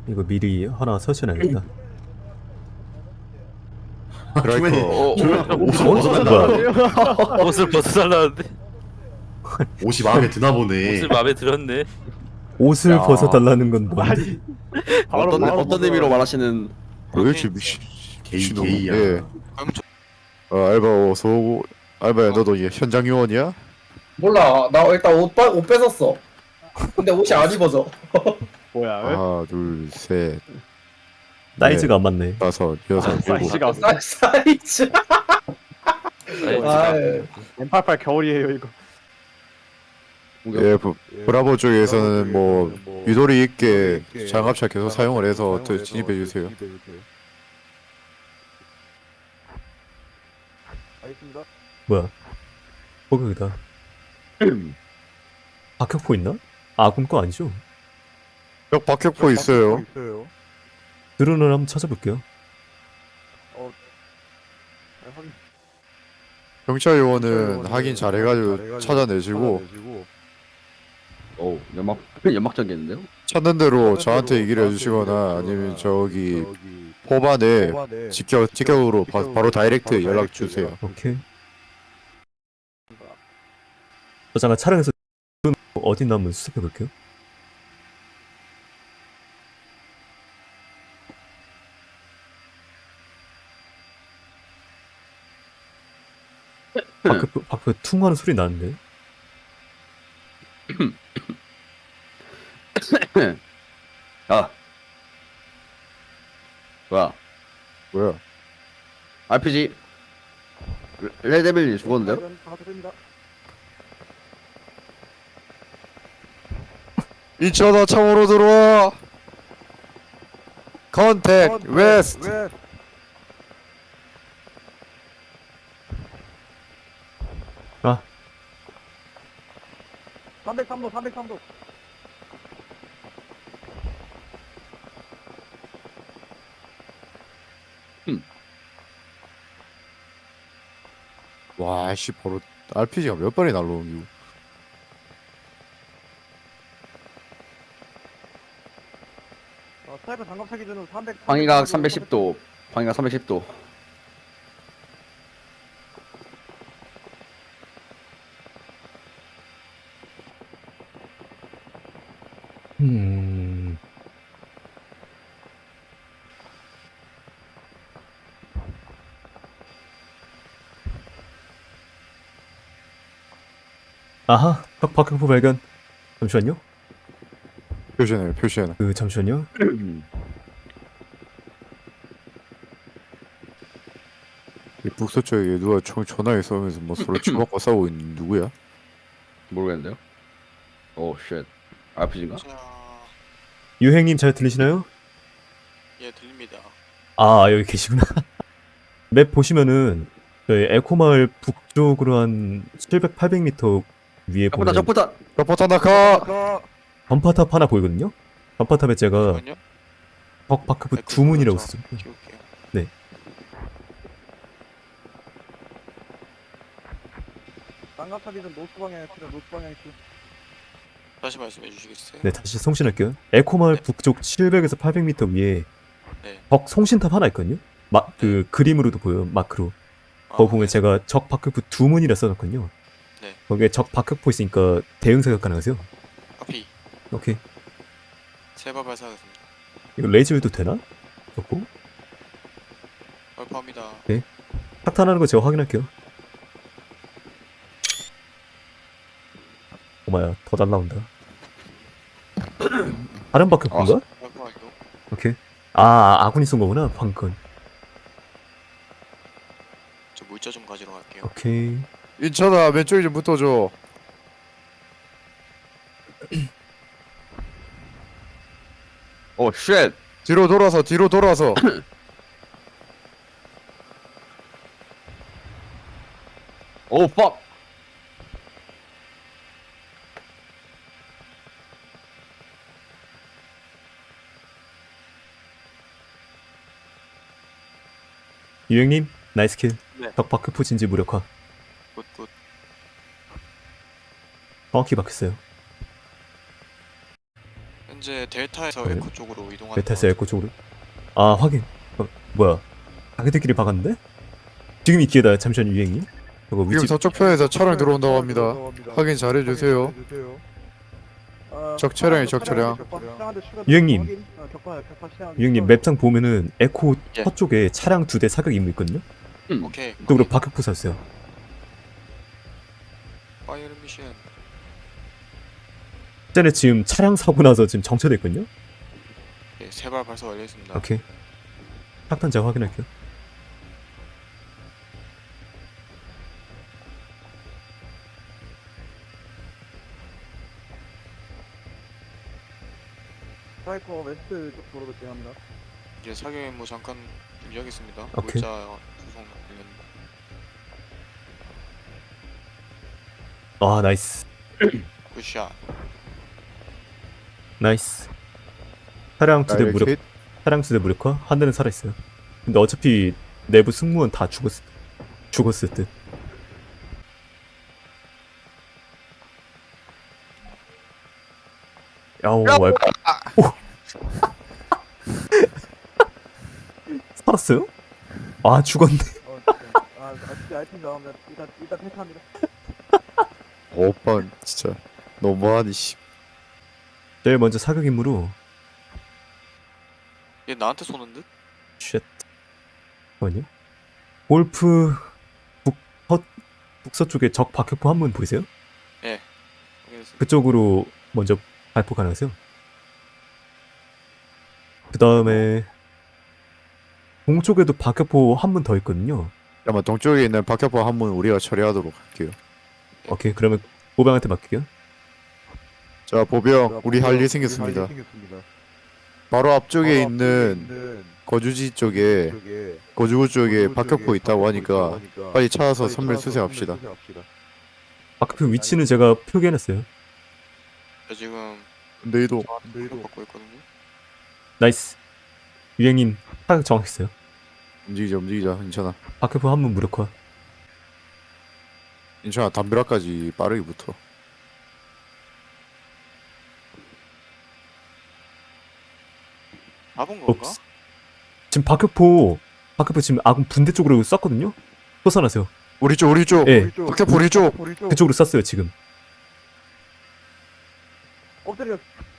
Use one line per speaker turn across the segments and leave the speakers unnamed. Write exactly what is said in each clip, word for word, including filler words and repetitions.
이거 미리 하나 설치해놔야겠다.
드라이커.
어,
옷을
어?
벗어달라.
옷을 벗어달라는데
옷이 마음에 드나 보네.
옷을 마음에 들었네.
옷을
야.
벗어달라는 건 뭔데?
어떤 어떤 의미로 말하시는?
그렇지 미친
게이
미친놈.
게이야.
예. 어, 알바 어서 오고. 알바야 너도 이 현장 요원이야?
몰라. 나 일단 옷, 빠, 옷 뺏었어. 근데 옷이 안 입어져.
뭐야?
하나 둘셋
사이즈가 안 맞네.
다섯 여섯 일곱.
사이즈가
사, 사이즈. 아,
엠팔팔 겨울이에요 이거.
예, 브, 브라보 쪽에서는 뭐 유도리 있게 장갑차 계속 사용을 해서 더 진입해 주세요.
알겠습니다.
뭐야? 포격이다. 박격포 있나? 아군 거 아니죠?
벽 박격포 있어요.
있어요.
드론을 한번 찾아볼게요.
경찰 요원은 확인 잘해가지고 찾아내시고
오 연막 연막전겠는데요?
찾는 대로 저한테 얘기를 해주시거나 아니면 저기 포반에 직격 직격으로 바, 바로 다이렉트 연락 주세요.
오케이. 저 잠깐 촬영해서 어디 있나 한번 수습해 볼게요. 박격포, 박격포 퉁 하는 소리 나는데?
아 뭐야?
뭐야?
알피지 레데빌이 죽었는데요?
인천아 참으로 들어와. 컨택 웨스트.
아,
삼백삼 도 삼백삼 도.
와, 씨 바로 알피지가 몇 발이 날라오는
어, 스나이퍼 장갑차 기준으로 삼백. 방위각 삼백십 도. 방위각 삼백십 도.
음. 아하, 박, 박격포 발견. 잠시만요.
표시해놔요, 표시해놔.
그, 잠시만요.
이 북서쪽에 누가 총 전화기 쏘면서 뭐 서로 치고받고 싸우고 있는 누구야?
모르겠는데요? 오 쉣. 알피지인가?
자,
유행님 잘 들리시나요?
예 들립니다.
아, 여기 계시구나. 맵 보시면은, 저희 에코마을 북쪽으로 한 칠백, 팔백 미터 위에
적포다
보면
적포다.
러포타 나카!
전파탑 하나 보이거든요? 전파탑에 제가
잠시만요.
적 박격포 주문이라고 쓰죠.
키울게요.
장갑차 기준 노스 방향에 필요 노스 방향에 필요.
다시 말씀해 주시겠어요?
네, 다시 송신할게요. 에코마을
네.
북쪽 칠백에서 팔백 미터 위에
네.
적 송신탑 하나 있거든요? 마, 그 그림으로도 보여요, 마크로. 거기
아,
보면
네.
제가 적 박격포 두 문이라 써놨거든요.
네.
거기에 적 박격포 있으니까 대응 사격 가능하세요?
카피
오케이.
세발 발사하겠습니다.
이거 레이저도 되나? 좋고.
발포합니다.
탁탄하는 거 제가 확인할게요. 오마야, 더 잘 나온다. 다른 박격포인가?
발포 완료.
오케이. 아, 아군이 쏜 거구나, 방금 건.
저 물자 좀 가지러 갈게요.
오케이.
인천아 왼쪽에 좀 붙어줘.
오 쉣.
뒤로 돌아서 뒤로 돌아서.
오 퍽.
유행님, 나이스 킬.
네.
적 박격포 진지 무력화.
굿굿.
정확히 박혔어요.
현재 델타에서
네.
에코 쪽으로 이동하는
메타스 에코 쪽으로. 아 확인. 어, 뭐야? 자기들끼리 박았는데? 지금 이 기회다. 잠시만 유행이. 이거
지금
위치
서쪽 편에서 차량 들어온다고 합니다. 확인 잘해주세요. 적 차량이 적 차량.
유행님. 유행님 맵상 보면은 에코
예.
서쪽에 차량 두 대 사격 임무 있거든요.
오케이.
그쪽으로 박격포 쐈어요.
파이어 미션.
쟤네 지금 차량 사고 나서 지금 정체됐거든요.
예, 세발 발사 완료했습니다.
오케이. 탁탄 제가 확인할게요.
사이코 웨스트 쪽 도로로 진행합니다.
이제 사격 임무 잠깐 준비하겠습니다.
오케이.
물자 수송 관련.
아 나이스.
굿샷.
나이스. 차량 두 대 무력.
다이렉트
차량 두 대 무력화. 한 대는 살아있어요. 근데 어차피 내부 승무원 다 죽었을 죽었을 듯. 야오 왈. 오. 살았어요? 아 죽었네.
어, 진짜. 아, 아 진짜 아이템 나옵니다. 일단 일단 패스합니다.
오빠 진짜 너무하니 씨.
제일 먼저 사격 임무로
얘 나한테 쏘는 듯?
쉣. 잠깐만요. 골프 북서 북서쪽에 적 박격포 한 문 보이세요?
확인했습니다.
그쪽으로 먼저 발포 가능하세요. 그 다음에 동쪽에도 박격포 한 문 더 있거든요.
아마 동쪽에 있는 박격포 한 문 우리가 처리하도록 할게요.
오케이 그러면 보병한테 맡길게요.
자 보병 우리 할 일 생겼습니다. 바로 앞쪽에 있는 거주지 쪽에 거주구 쪽에 박격포 있다고 하니까 빨리 찾아서 선멸 수색합시다.
박격포 위치는 제가 표기해놨어요.
저 지금
근데 이도
공격 받고 있거든요.
나이스. 유행님 타격 정확했어요.
움직이자 움직이자 괜찮아.
박격포 한 문 무력화.
괜찮아 담벼락까지 빠르게 붙어.
잡은 건가?
옵스. 지금 박격포 박격포 지금 아군 분대 쪽으로 쐈거든요. 쏘아나세요.
우리 쪽 우리 쪽
예.
박격포 우리 쪽.
그쪽으로 쐈어요 지금.
엎드려.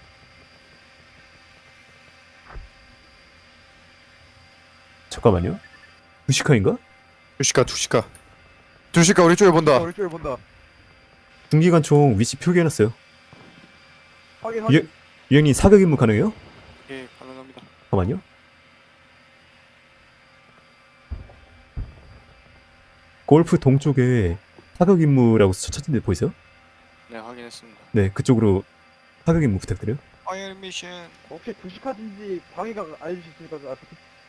잠깐만요. 무시카인가?
두시카 두시카 두시카 우리 쪽에 본다.
우리 쪽에 본다.
중기관총 위치 표기해놨어요.
확인
유,
확인.
유행님 사격 임무 가능해요?
예, 가능합니다.
잠깐만요. 골프 동쪽에 사격 임무라고 쳐진 데 보이세요?
네, 확인했습니다.
네, 그쪽으로 사격 임무 부탁드려요.
파이어 미션.
혹시 두시카든지 방위가 알려줄 수 있을까? 아,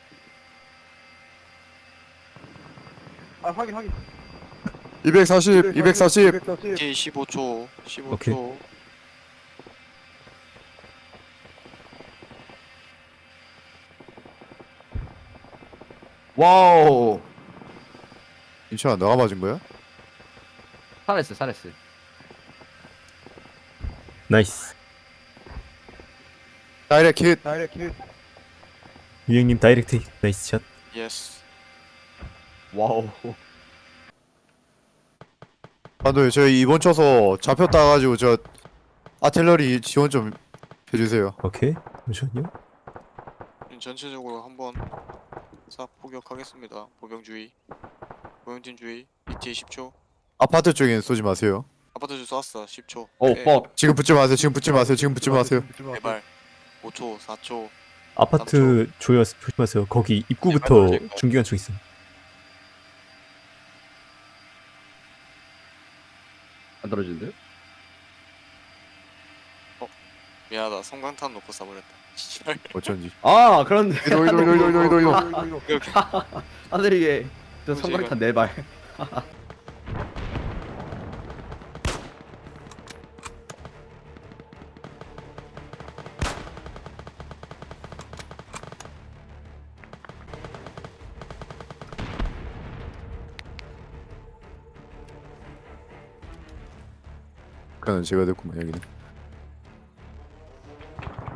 아 확인 확인.
이백사십 이백사십
이백사십.
오케이, 십오 초. 십오
오케이.
초.
와우.
인천아 너가 맞은 거야?
살았어, 살았어.
나이스.
다이렉트 킷.
다이렉트 킬.
유행님 다이렉트 힛. 나이스 샷.
예스.
와우.
감독님 저희 이번 쳐서 잡혔다 가지고 저 아틀러리 지원 좀 해주세요.
오케이. 잠시만요.
전체적으로 한번 싹 포격하겠습니다. 보병주의. 보병진 주의. 이티에 십 초.
아파트 쪽에는 쏘지 마세요.
아파트 주 쏘았어. 십 초.
오, 뻑.
지금 붙지 마세요. 지금 붙지 마세요. 지금 붙지 마세요.
제발. 오 초, 사 초.
아파트 조여 조심하세요. 거기 입구부터
떨어질 거야.
중기관총 있어요.
안 떨어지는데요?
미안하다. 성광탄 놓고 쏴버렸다. 씨발.
어쩐지.
아, 그런데.
이도 이도 이도 이도 이도 이도.
오케이, 오케이.
하늘이게. 저
뭐지,
성광탄 네 발.
그는 제가 됐구만 여기는.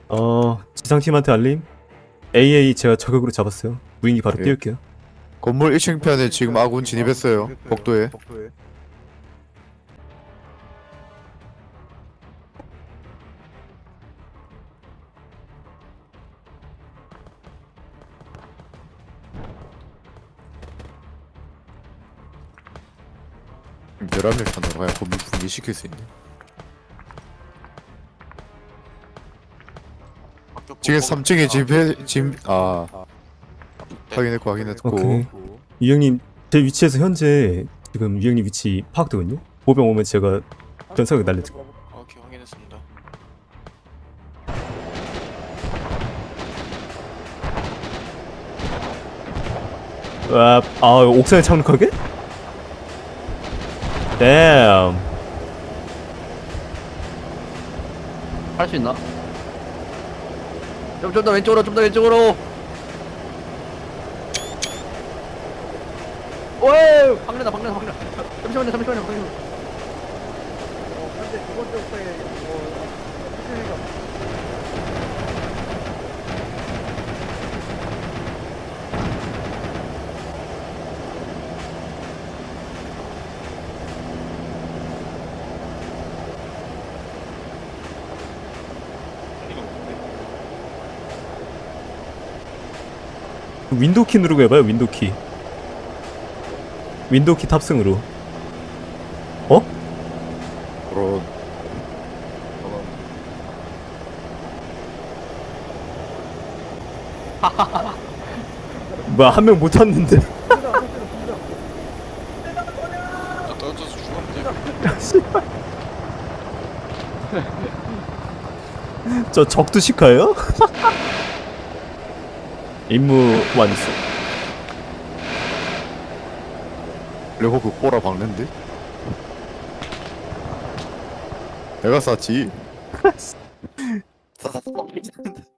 어 지상팀한테 알림. 에이에이 제가 저격으로 잡았어요. 무인기 바로
예.
띄울게요.
건물 일 층 편에 지금 아군 진입했어요. 복도에. 열한 명 편으로 가야 건물 붕괴시킬 수 있네.
학교
지금
보고
삼 층에
있다.
집에 짐 아
네.
확인했고 확인했고
오케이. 유형님 제 위치에서 현재 지금 유형님 위치 파악되거든요. 보병 오면 제가 전사격 날려드릴게요.
오케이 확인했습니다.
아, 아 옥상에 착륙하게? 댐.
할 수 있나? 좀 좀 더 왼쪽으로 좀 더 왼쪽으로. 오이 방내다 방내다 방내다. 잠시만요 잠시만요 잠시만요.
어, 현재 두 번째 옥상에 어, 피해가
윈도우 키 누르고 해봐요. 윈도우 키. 윈도우 키 탑승으로. 어?
그런
뭐야 한 명 못 탔는데.
나 떨어져서 죽었는데.
저 적두시카예요? 임무 완수.
레버그 꼬라 박는데? 내가 쐈지.